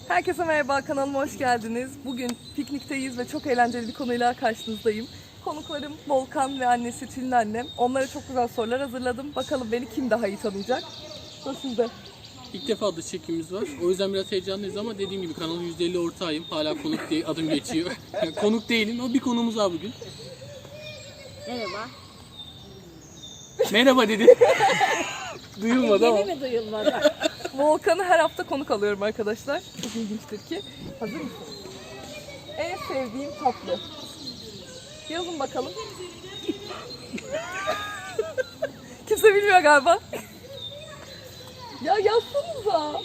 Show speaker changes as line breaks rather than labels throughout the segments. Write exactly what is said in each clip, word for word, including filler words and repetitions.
Herkese merhaba, kanalıma hoş geldiniz. Bugün piknikteyiz ve çok eğlenceli bir konuyla karşınızdayım. Konuklarım Volkan ve annesi Tülin annem. Onlara çok güzel sorular hazırladım. Bakalım beni kim daha iyi tanıyacak? O sizde.
İlk defa dış çekimimiz var. O yüzden biraz heyecanlıyız ama dediğim gibi kanalın yüzde elli ortağıyım. Hala konuk değil, adım geçiyor. Yani konuk değilim ama bir konumuz var bugün.
Merhaba.
Merhaba dedi. Duyulmadı ama.
Yeni mi duyulmadı?
Volkan'ı her hafta konuk alıyorum arkadaşlar. Çok ilginçtir ki. Hazır mısın? En sevdiğim tatlı. Yazın bakalım. Kimse bilmiyor galiba. Ya yazsanıza.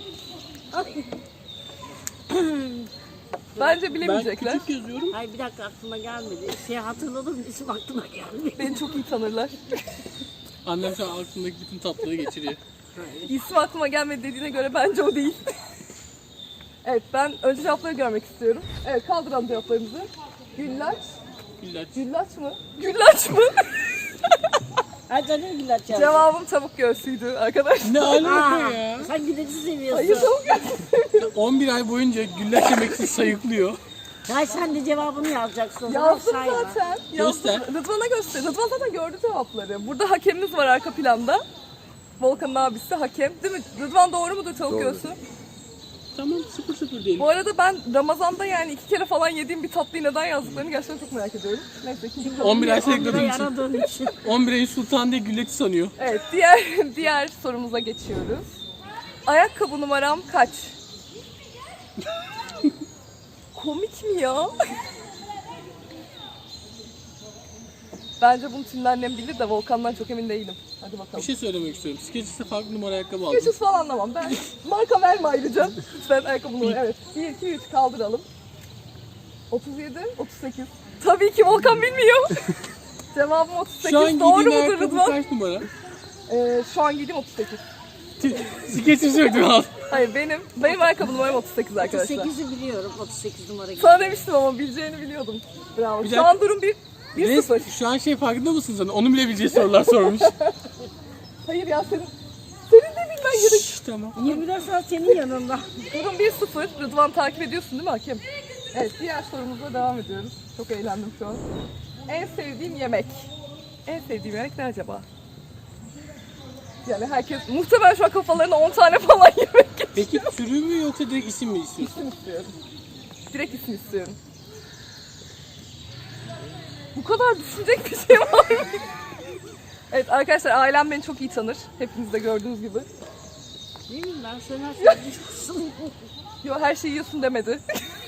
Bence
Ben
bilemeyecekler.
küçük yazıyorum.
Ay bir dakika aklıma gelmedi. Şey hatırladım, isim aklıma gelmedi.
Beni çok iyi tanırlar.
Annem şu an aklındaki bütün tatlılığı geçiriyor.
İsmi aklıma gelmedi dediğine göre bence o değil. Evet, ben önce cevapları görmek istiyorum. Evet, kaldıralım cevaplarımızı. Güllaç.
Güllaç.
Güllaç mı? Güllaç mı?
Ay canım güllaç yazdı.
Cevabım tavuk göğsüydü arkadaşlar.
Ne alaka
Aa,
ya?
sen güllaçı seviyorsun.
Hayır, tavuk göğsü.
on bir ay boyunca güllaç yemek için sayıklıyor.
Ya sen de cevabını yazacaksın.
Yazdım
Sayma.
zaten. Yazdım.
Göster.
Rıdvan'a göster. Rıdvan zaten gördü cevapları. Burada hakemimiz var arka planda. Volkan'ın abisi hakem. Değil mi? Rıdvan doğru mudur tavuk göğsü?
Tamam sıfır sıfır diyelim.
Bu arada ben Ramazan'da yani iki kere falan yediğim bir tatlıyı neden yazdıklarını gerçekten çok merak ediyorum. Neyse ikinci
on bir ay
on lira
sayıkladığım için.
yaradığın için.
on bir ayın sultanı diye güllaçı sanıyor.
Evet, diğer diğer sorumuza geçiyoruz. Ayakkabı numaram kaç? Komik mi ya? Bence bunu Tülin annem bilir de Volkan'dan çok emin değilim. Hadi
Bir
bakalım.
şey söylemek istiyorum. Skechers farklı numara ayakkabı aldım.
Geçiş falan anlamam. Ben marka verme ayrıca. Lütfen ayakkabı numara. Evet. bir, iki, üç kaldıralım. otuz yedi, otuz sekiz. Tabii ki Volkan bilmiyor. Cevabım otuz sekiz.
Şu an
Doğru
giydiğin
mudur
ayakkabı
Rıdvan?
kaç numara?
Ee, şu an giydiğim otuz sekiz.
Skechers ödüm al.
Hayır, benim benim ayakkabı numaram otuz sekiz arkadaşlar.
otuz sekizi biliyorum. otuz sekiz numara gibi.
Sana demiştim ama bileceğini biliyordum. Bravo.
Bir
Şu
dakika.
an durum bir, bir
Res,
sıfır.
şu an şey farkında mısın sen? Onu bile bileceği sorular sormuş.
Hayır ya, senin senin de bilmen gerek.
Şşş, tamam.
yirmi dört saat senin yanında.
Durum bir sıfır. Rıdvan takip ediyorsun değil mi hakem? Evet, diğer sorumuzla devam ediyoruz. Çok eğlendim şu an. En sevdiğim yemek. En sevdiğim yemek ne acaba? Yani herkes muhtemelen şu an kafalarına on tane falan yemek geçiyor.
Peki türü mü yoksa direkt isim mi istiyorsun?
İsim istiyorum. Direkt isim istiyorum. Bu kadar düşünecek bir şey var mı? Evet arkadaşlar, ailem beni çok iyi tanır. Hepiniz de gördüğünüz gibi.
Değil mi? Ben sana söylüyorsun.
Yo, her şeyi yiyorsun demedi.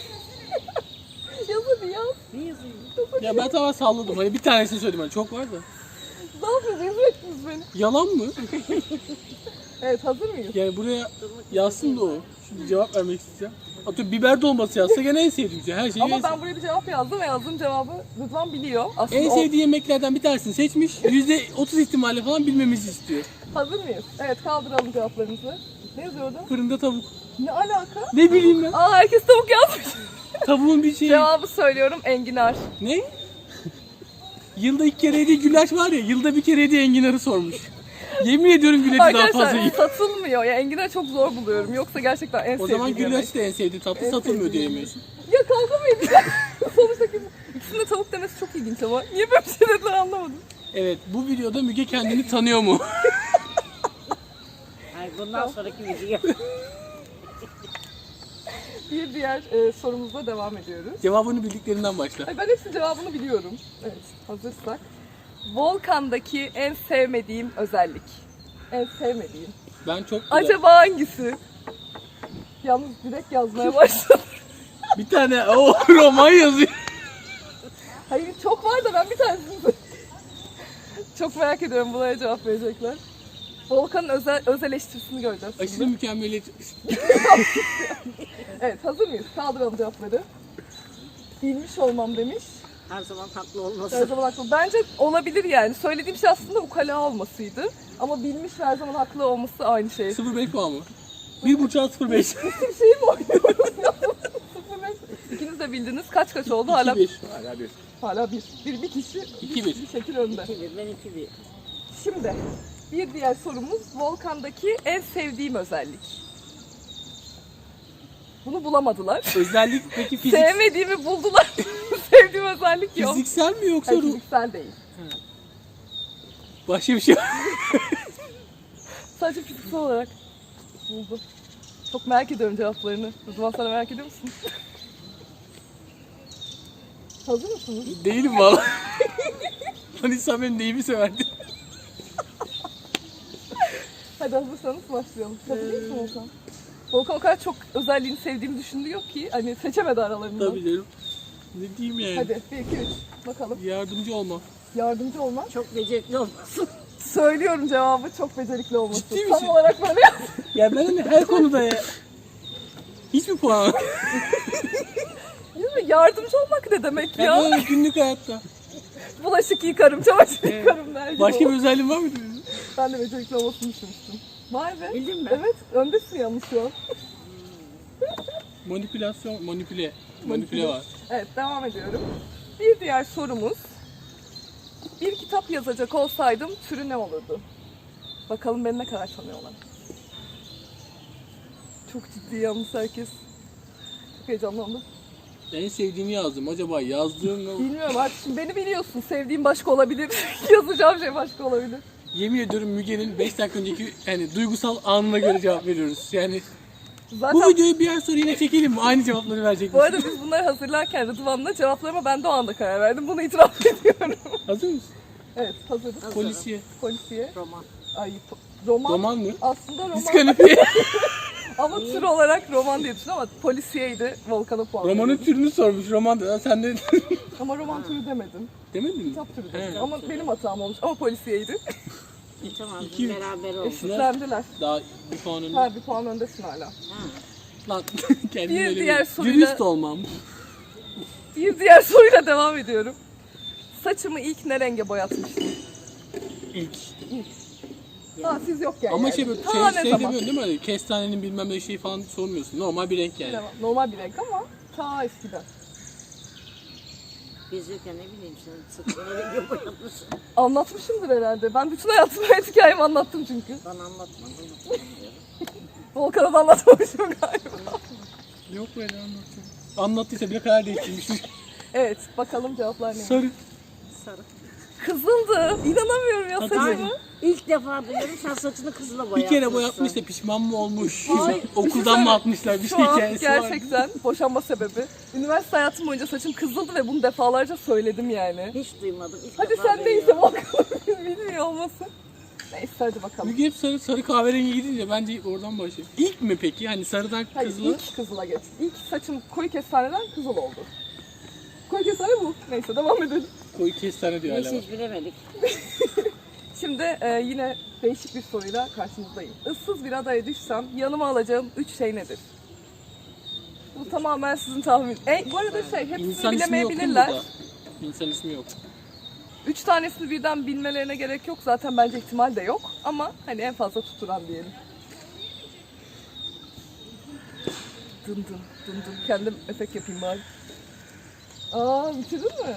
Yaz hadi yaz.
Ne yazayım?
Ya ben tamamen salladım. Hani bir tanesini söyledim. Hani çok var da.
Ne yapıyorsunuz? Rezil ettiniz beni.
Yalan mı?
Evet, hazır mıyız?
Yani buraya yazsın da o. Şimdi cevap vermek isteyeceğim. Atıyorum biber dolması yazsa gene en sevdiğim şey. Her şeyi en,
Ama ben buraya bir cevap yazdım ve yazdığım cevabı Rıdvan biliyor. Aslında
en
o...
sevdiği yemeklerden bir tanesini seçmiş. yüzde otuz ihtimalle falan bilmemizi istiyor.
Hazır mıyız? Evet, kaldıralım cevaplarımızı. Ne yazıyordu?
Fırında tavuk.
Ne alaka?
Ne bileyim ben.
Aa, herkes tavuk yazmış.
Tavuğun bir şeyi.
Cevabı söylüyorum, enginar.
Ne? Yılda iki kere yediği güllaç var ya, yılda bir kere yediği enginarı sormuş. Yemin ediyorum güllaçı daha fazla
Arkadaşlar
yiyor.
satılmıyor. Ya enginar çok zor buluyorum. Yoksa gerçekten en
O
sevdiğim
zaman
yemek.
güllaç da en sevdiğin tatlı
En
satılmıyor
sevdiğim
diyemiyorsun.
Ya kavga mı edeceğiz? Sonuçta kim- ikisinin de tavuk demesi çok ilginç ama. Niye böyle bir şey dediler anlamadım.
Evet, bu videoda Müge kendini tanıyor mu?
Ay bundan sonraki video.
Bir diğer e, sorumuzla devam ediyoruz.
Cevabını bildiklerinden başla.
Ay, ben hepsinin cevabını biliyorum. Evet, hazırsak. Volkan'daki en sevmediğim özellik. En sevmediğim.
Ben çok güzel.
Acaba hangisi? Yalnız direkt yazmaya başladım.
Bir tane o roman yazıyor.
Hayır, çok var da ben bir tanesini çok merak ediyorum, buna cevap verecekler. Volkan'ın özel, öz eleştirisini göreceğiz
Aşırı
şimdi.
mükemmeliyetçi.
Evet, hazır mıyız? Kaldıralım cevapları. Bilmiş olmam demiş.
Her zaman haklı
Her
olmasın.
zaman haklı. Bence olabilir yani. Söylediğim şey aslında ukala olmasıydı. Ama bilmiş ve her zaman haklı olması aynı şey.
sıfır virgül beş puan mı? bir buçuk sıfır virgül beş.
Bir şey mi oynuyoruz? sıfır beş. İkiniz de bildiniz. Kaç kaç oldu? Hala
iki bir.
Hala bir.
hala bir. Bir, bir kişi
iki
bir,
bir.
bir şekil önde.
iki bir, ben iki bir.
Şimdi bir diğer sorumuz Volkan'daki en sevdiğim özellik. Bunu bulamadılar.
Özellik peki fizik,
Sevmediğimi buldular. Sevdiğim özellik yok.
fiziksel mi yoksa
Hayır,
ruh?
fiziksel değil.
Başka bir şey var.
Sadece fiziksel olarak buldu. Çok merak ediyorum cevaplarını. Rıdvan, sana merak ediyor musun? Hazır mısınız?
Değilim valla. Hani sen benim neyimi severdin?
Hadi hazırsanız başlayalım. Hazır değil misin Volkan? Volkan o kadar çok özelliğini sevdiğimi düşündüğü ki hani seçemedi aralarından.
Tabii canım. Ne diyeyim yani?
Hadi bir iki üç bakalım.
Yardımcı olma.
Yardımcı olmak.
Çok becerikli olmasın.
Söylüyorum cevabı, çok becerikli olması.
Ciddi
Tam
misin?
olarak böyle yaptım.
Ya ben hani her konuda ya. Hiç mi puan?
Değil mi? Yardımcı olmak ne demek
Ya
ya?
böyle günlük hayatta.
Bulaşık yıkarım, çamaşır
Evet.
yıkarım der gibi
Başka
oldu.
bir özelliğin var mı?
Ben de becerikli olmasını düşünmüştüm. Vay be.
Bildin mi?
Evet, öndesin yalnız şu an.
Manipülasyon, manipüle. Manipüle var.
Evet, devam ediyorum. Bir diğer sorumuz. Bir kitap yazacak olsaydım türü ne olurdu? Bakalım beni ne kadar tanıyorlar. Çok ciddi yalnız herkes. Çok heyecanlandım.
En sevdiğimi yazdım. Acaba yazdığım o...
Bilmiyorum artık, şimdi beni biliyorsun. Sevdiğim başka olabilir. Yazacağım şey başka olabilir.
Yemin ediyorum Müge'nin beş dakika önceki yani duygusal anına göre cevap veriyoruz. Yani
Zaten
bu videoyu bir ay sonra yine çekelim mi? Aynı cevapları verecek
bu
misin?
arada biz bunları hazırlarken Rıdvan'la cevaplarıma ben de o anda karar verdim. Bunu itiraf ediyorum.
Hazır mısın?
Evet, hazırız.
Hazırım.
Polisiye.
Polisiye.
Roman.
Ay, po- roman.
Roman mı?
Aslında roman.
Diskalifiye.
Ama tür olarak roman diye düşün ama polisiyeydi. Volkan'a puan
Romanın
veriyordum.
türünü sormuş. Roman da sen de
Ama roman türü demedim.
demedin mi?
Kitap türü dedim.
He.
Ama benim hatam olmuş. Ama polisiyeydi.
E, tamam biz
İki-
beraber olduk.
Eşitlendiler.
Daha bir puan önde.
Ha, bir puan öndesin hala.
Ha.
Lan kendini
Bir
öyle
diğer
bir-
soruyla-
Dürüst olmam.
Bir diğer soruyla devam ediyorum. Saçımı ilk ne renge boyatmıştım?
İlk.
Ha, siz yokken
Ama
yani.
şey böyle
Ta
şey,
ne
şey
zaman?
demiyorsun değil mi? Hani kestanenin bilmem ne şeyi falan sormuyorsun. Normal bir renk yani.
Bilemem. Normal bir renk ama ta eskiden.
Biz yokken ne bileyim sen sıkıntı rengi boyatmışsın.
Anlatmışımdır herhalde. Ben bütün hayatımı hayat hikayemi anlattım çünkü.
Bana anlatmadın. Unutmayayım.
Volkan'a da anlatmamışım galiba.
Yok böyle anlatacağım. Anlattıysa bile karar değiştirmiş.
Evet, bakalım cevaplar ne?
Sarı.
Sarı.
Kızıldı. İnanamıyorum ya
Hadi.
saçımı.
İlk defa duyuyorum sen saçını kızıla
Bir
boyatmışsın.
kere boyatmış da pişman mı olmuş?
Ay,
Okuldan mı atmışlar? Bir şey
Şu an
hikayesi var.
gerçekten boşanma sebebi. Üniversite hayatım boyunca saçım kızıldı ve bunu defalarca söyledim yani.
Hiç duymadım. İlk
Hadi
defa
sen neyse
duyuyorum.
bakalım. Bilmiyor olmasın. Neyse hadi bakalım.
Müge hep sarı, sarı kahverengi gidince bence oradan başlayayım. İlk mi peki? Hani sarıdan
Hayır,
kızıla?
ilk kızıla geç. İlk saçım koyu kestaneden kızıl oldu. Koyu kestane bu. Neyse devam edelim.
Koyu kestane diyor hala.
Neyse hiç bilemedik.
Şimdi e, yine değişik bir soruyla karşınızdayım. Issız bir adaya düşsem yanıma alacağım üç şey nedir? Bu tamamen sizin tahmin. E, bu arada şey hepsini
İnsan ismi yok değil mi
bilemeyebilirler.
burada? İnsan ismi yok.
Üç tanesini birden bilmelerine gerek yok. Zaten bence ihtimal de yok. Ama hani en fazla tuturan diyelim. Dın dın dın dın. Kendim efekt yapayım bari. Aa, bitirdin mi?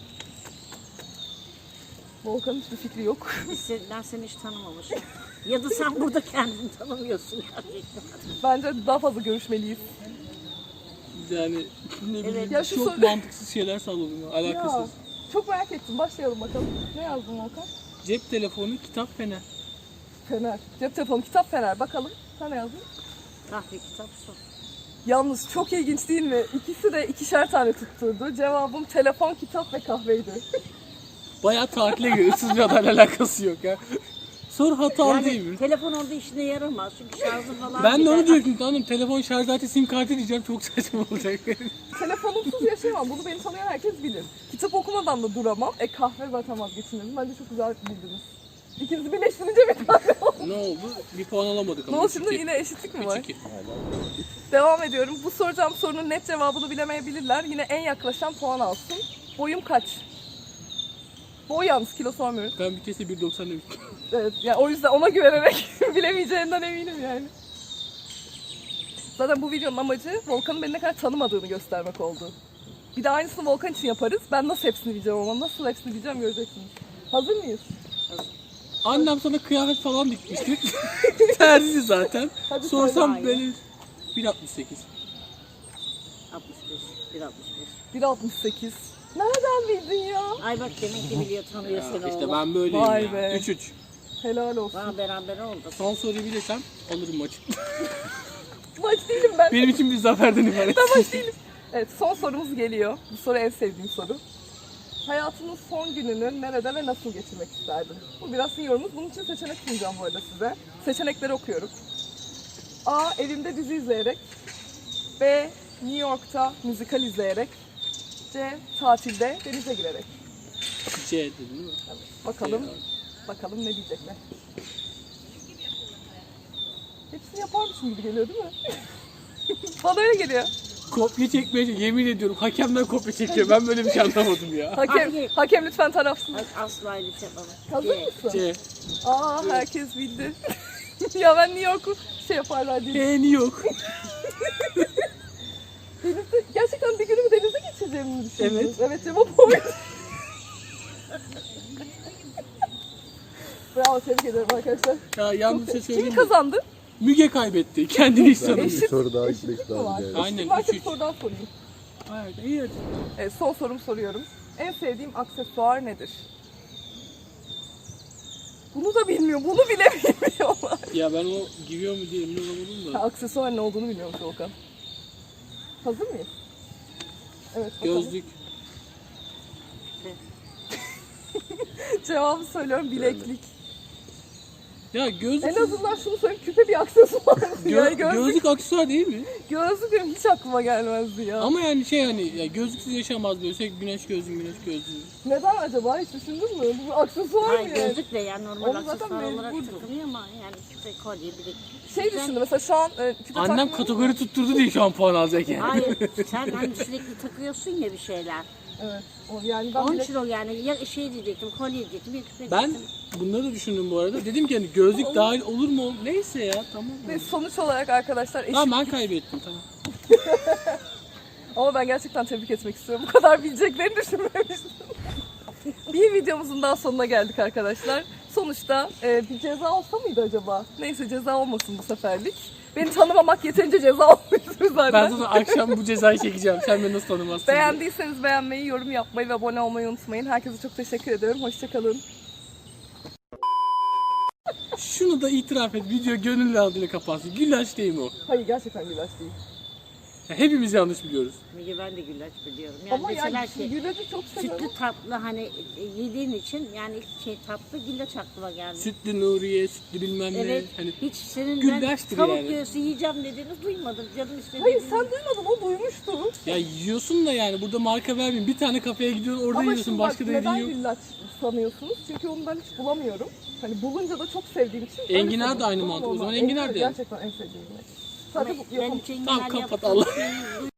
Volkan'ın hiçbir fikri yok.
Biz sen, ben seni hiç tanımamışım. Ya da sen burada kendini tanımıyorsun gerçekten.
Bence daha fazla görüşmeliyiz.
Yani ne bileyim
Evet.
Ya şu
çok
sor-
mantıksız şeyler salladım. ya, Alakasız.
Ya, çok merak ettim. Başlayalım bakalım. Ne yazdın Volkan?
Cep telefonu, kitap, fener.
Fener. Cep telefonu, kitap, fener. Bakalım. Sen ne yazdın?
Kahve, kitap, su.
Yalnız çok ilginç değil mi? İkisi de ikişer tane tutturdu. Cevabım telefon, kitap ve kahveydi.
Bayağı tatile göre ıssız bir adayla alakası yok ya. Soru hatalı değil mi?
Yani telefon orada işine yaramaz çünkü şarjı falan
Ben de
gider.
onu diyorum tamam telefon şarj aleti sim kartı diyeceğim çok saçma olacak.
Telefonumsuz yaşayamam. Bunu beni tanıyan herkes bilir. Kitap okumadan da duramam. E kahve zaten vazgeçilmezim. Bence çok güzel bildiniz. İkinizi birleştirince bir tane oldu.
Ne oldu? Bir puan alamadık
Ne
ama.
oldu şimdi? Yine eşitlik mi var?
üç iki.
Devam ediyorum. Bu soracağım sorunun net cevabını bilemeyebilirler. Yine en yaklaşan puan alsın. Boyum kaç? Boy yalnız, kilo sormuyoruz.
Ben bir kese bir doksan demiştim.
Evet, yani o yüzden ona güvenerek bilemeyeceğinden eminim yani. Zaten bu videonun amacı Volkan'ın beni ne kadar tanımadığını göstermek oldu. Bir de aynısını Volkan için yaparız. Ben nasıl hepsini bileceğim ama nasıl hepsini bileceğim göreceksiniz. Hazır mıyız?
Annem sana kıyafet falan dikmişti. Terzi zaten.
Hadi
Sorsam
söyle.
böyle bir altmış sekiz.
bir altmış beş.
bir altmış sekiz. Nereden bildin ya?
Ay bak demek ki biliyor tanıyor seni
İşte
oğlum.
ben böyleyim
Vay
ya.
be.
üç üç.
Helal olsun.
Bana beraber oldu.
Son soruyu bilirsem alırım maçı.
Maç değilim ben.
Benim için bir zaferden ibaret.
Ben maç değilim. Evet, son sorumuz geliyor. Bu soru en sevdiğim soru. Hayatının son gününü nerede ve nasıl geçirmek isterdin? Bu biraz sizin yorumunuz. Bunun için seçenek sunacağım bu arada size. Seçenekleri okuyorum. A. Evimde dizi izleyerek. B. New York'ta müzikal izleyerek. C. Tatilde denize girerek.
C dedin değil mi?
Bakalım,
C.
bakalım ne diyecekler. Hepsini yaparmışım gibi geliyor değil mi? Bana öyle geliyor.
Kopya çekmeye yemin ediyorum hakemden kopya çekiyor. Ben böyle bir şey anlamadım ya.
Hakem,
Hayır.
hakem lütfen tarafsız.
Asla öyle bir şey yapamam.
Hazır
C.
mısın?
C.
Aa, herkes bildi. Ya ben New York'u şey yaparlar diye.
Beğeni yok.
Denizde, gerçekten bir günümü denize geçireceğimi mi düşündünüz?
Evet.
Evet, cevap oydu. Bravo, tebrik ederim arkadaşlar.
Ya yalnız bir şey
Kim
söyleyeyim mi?
kazandı?
Müge kaybetti. Kendini hiç tanımıyor.
Eşit.
Bir soru daha
Eşitlik
eklemek
mi var?
lazım yani.
Aynen,
Varsa
üç
bir
üç.
soru daha sorayım.
Evet, iyi hadi.
Evet, son sorumu soruyorum. En sevdiğim aksesuar nedir? Bunu da bilmiyor, bunu bile bilmiyorlar.
Ya ben o giriyor mu diye emin olamadım
Ha,
da.
aksesuar ne olduğunu bilmiyormuş Volkan. Hazır mıyız? Evet, bakalım.
Gözlük.
Cevabı söylüyorum, bileklik.
Ya gözlük.
En azından şunu söyleyeyim, küpe bir aksesuar.
Gö-
yani gözlük,
gözlük aksesuar değil mi?
gözlük benim hiç aklıma gelmezdi ya.
Ama yani şey hani ya gözlüksüz yaşamaz böyle sürekli güneş gözlüğü güneş gözlüğü.
Neden acaba, hiç düşündün mü? Bu bir aksesuar
Hayır
mı yani?
gözlük de yani normal
Onu zaten
aksesuar olarak
mecburdu.
takılıyor ama yani küpe, kolye, bilek.
Şey
Sen-
düşündüm mesela şu an e, küpe
Annem
takmıyorum
kategori tutturdu diye şu an puan alacak yani.
Hayır sen hani sürekli takıyorsun ya bir şeyler.
ama- Evet. O, yani ben
Onun
bilek...
için o yani ya şey diyecektim, kolye diyecektim, bir küpe
Ben
diyecektim.
bunları da düşündüm bu arada. Dedim ki hani gözlük dahil olur mu? Neyse ya tamam.
Ve sonuç olarak arkadaşlar eşit.
Tamam ben kaybettim tamam.
Ama ben gerçekten tebrik etmek istiyorum. Bu kadar bileceklerini düşünmemiştim. Bir videomuzun daha sonuna geldik arkadaşlar. Sonuçta e, bir ceza olsa mıydı acaba? Neyse, ceza olmasın bu seferlik. Beni tanımamak yeterince ceza olmuştur zaten.
Ben sana akşam bu cezayı çekeceğim. Sen beni nasıl tanımazsın? diye.
Beğendiyseniz beğenmeyi, yorum yapmayı ve abone olmayı unutmayın. Herkese çok teşekkür ederim. Hoşçakalın.
Şunu da itiraf et. Video gönül aldığıyla kapansın. Güllaç değil mi o?
Hayır, gerçekten güllaç değil.
Ya hepimiz yanlış biliyoruz.
Müge ben de güllaç biliyorum. Yani
Ama
mesela
yani
ki
güllacı çok seviyorum.
sütlü tatlı hani e, yediğin için yani şey tatlı güllaç aklıma geldi.
Sütlü Nuriye, sütlü bilmem ne.
Evet.
Hani
Hiç senin
Güllaçtır
ben tavuk
yani.
göğsü yiyeceğim dediğini duymadım. Canım istedi.
Hayır, sen duymadın, o duymuştu.
ya yiyorsun da yani burada marka vermeyeyim. Bir tane kafeye gidiyorsun orada
Ama
yiyorsun.
şimdi bak,
Başka da
neden
yediğin yok.
güllaç sanıyorsunuz? Çünkü onu ben hiç bulamıyorum. Hani bulunca da çok sevdiğim için. öyle
Enginar da
seviyorum.
aynı
Ama
mantık. O zaman
normal.
enginar da yani.
Gerçekten en sevdiğim yemek. Sadece bu
Ben
yapamam.
için
Tamam,
genel
kapat
yaptığım
Allah.
şeyi